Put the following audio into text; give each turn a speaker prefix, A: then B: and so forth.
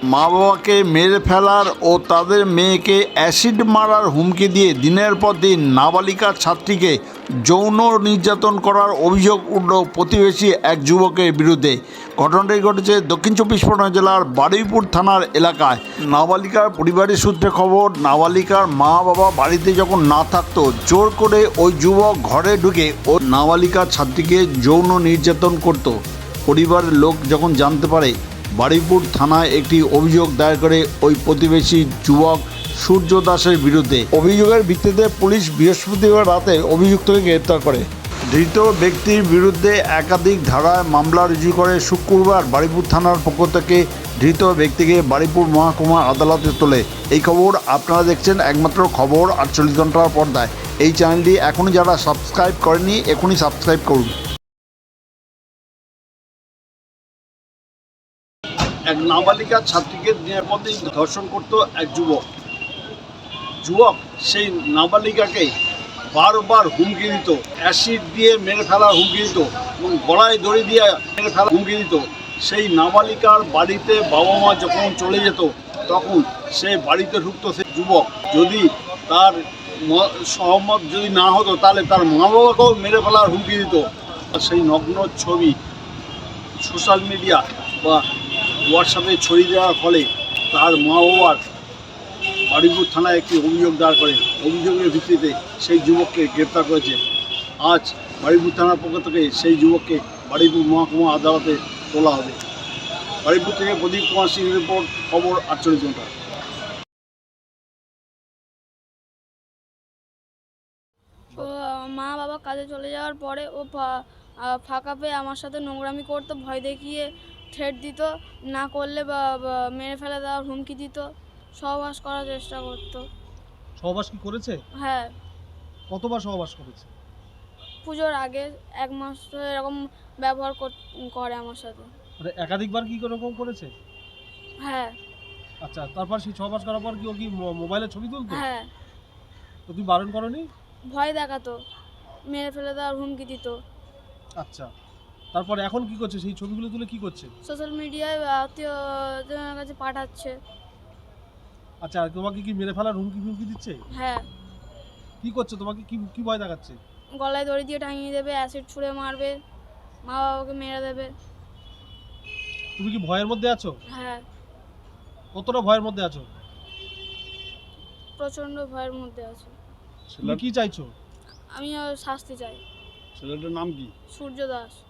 A: মা বাবাকে মেরে ফেলার ও তাদের মেয়েকে অ্যাসিড মারার হুমকি দিয়ে দিনের পর দিন নাবালিকা ছাত্রীকে যৌন নির্যাতন করার অভিযোগ উঠল প্রতিবেশী এক যুবকের বিরুদ্ধে। ঘটনাটি ঘটেছে দক্ষিণ চব্বিশ পরগনা জেলার বারুইপুর থানার এলাকায়। নাবালিকার পরিবারের সূত্রে খবর, নাবালিকার মা বাবা বাড়িতে যখন না থাকতো, জোর করে ওই যুবক ঘরে ঢুকে ও নাবালিকা ছাত্রীকে যৌন নির্যাতন করত। পরিবারের লোক যখন জানতে পারে, বারুইপুর থানায় একটি অভিযোগ দায়ের করে ওই প্রতিবেশী যুবক সূর্য দাসের বিরুদ্ধে। অভিযোগের ভিত্তিতে পুলিশ বৃহস্পতিবার রাতে অভিযুক্তকে গ্রেপ্তার করে। ধৃত ব্যক্তির বিরুদ্ধে একাধিক ধারায় মামলা রুজু করে শুক্রবার বারুইপুর থানার পক্ষ থেকে ধৃত ব্যক্তিকে বারুইপুর মহকুমা আদালতে তোলে। এই খবর আপনারা দেখছেন একমাত্র খবর 48 ঘন্টার পর্দায়। এই চ্যানেলটি এখনই যারা সাবস্ক্রাইব করেনি, এখনই সাবস্ক্রাইব করুন। এক নাবালিকা ছাত্রীকে দিনের পর দিন ধর্ষণ করত এক যুবক সেই নাবালিকাকে বারবার হুমকি দিত, অ্যাসিড দিয়ে মেরে ফেলার হুমকি দিত এবং গলায় দড়ি দিয়ে মেরে ফেলার হুমকি দিত। সেই নাবালিকার বাড়িতে বাবা মা যখন চলে যেত, তখন সে বাড়িতে ঢুকতো সেই যুবক, যদি তার সহমত যদি না হতো তাহলে তার মা বাবাকেও মেরে ফেলার হুমকি দিত। সেই নগ্ন ছবি সোশ্যাল মিডিয়া বা হোয়াটসঅ্যাপে ছড়িয়ে দেওয়ার ফলে তার মা বাবার বারুইপুর থানায় একটি অভিযোগ দায়ের করে। অভিযোগের ভিত্তিতে সেই যুবককে গ্রেপ্তার করেছে। আজ বারুইপুর থানার পক্ষ থেকে সেই যুবককে বারুইপুর মহকুমা আদালতে তোলা হবে। বারুইপুর থেকে প্রদীপ কুমার সিং রিপোর্ট, খবর 48 ঘন্টা।
B: ও মা বাবা কাজে চলে যাওয়ার পরে ও ফাঁকা পেয়ে আমার সাথে নোংরামি করতো, ভয় দেখিয়ে থ্রেট দিত, না করলে বা মেরে ফেলে দেওয়ার হুমকি দিত, সহবাস করার চেষ্টা করতো।
C: সহবাস কি করেছে?
B: হ্যাঁ,
C: কতবার সহবাস করেছে?
B: পুজোর আগে 1 মাস ধরে এরকম ব্যবহার করে আমার সাথে।
C: মানে একাধিকবার কি এরকম করেছে?
B: হ্যাঁ।
C: আচ্ছা, তারপর সেই সহবাস করার পর কি ও কি মোবাইলে ছবি তুলতো?
B: হ্যাঁ,
C: তো তুমি বারণ করনি?
B: ভয় দেখাতো, মেরে ফেলে দেওয়ার হুমকি দিত।
C: আচ্ছা, তারপর এখন কি করছে? সেই ছবিগুলো তুলে কি করছে?
B: সোশ্যাল মিডিয়ায় আত্মীয়জনের কাছে পাঠাচ্ছে।
C: আচ্ছা, তোমাকে কি মেরে ফেলার হুমকি দিচ্ছে?
B: হ্যাঁ,
C: কি করছে? তোমাকে কি কি ভয় দেখাচ্ছে?
B: গলায় দড়ি দিয়ে টাঙিয়ে দেবে, অ্যাসিড ছুঁড়ে মারবে, মা বাবাকে মেরে দেবে।
C: তুমি কি ভয়ের মধ্যে আছো?
B: হ্যাঁ,
C: কতটা ভয়ের মধ্যে আছো?
B: প্রচণ্ড ভয়ের মধ্যে আছে।
C: তুমি কি চাইছো?
B: আমি শাস্তি চাই।
A: ছেলেটার নাম কি?
B: সূর্য দাস।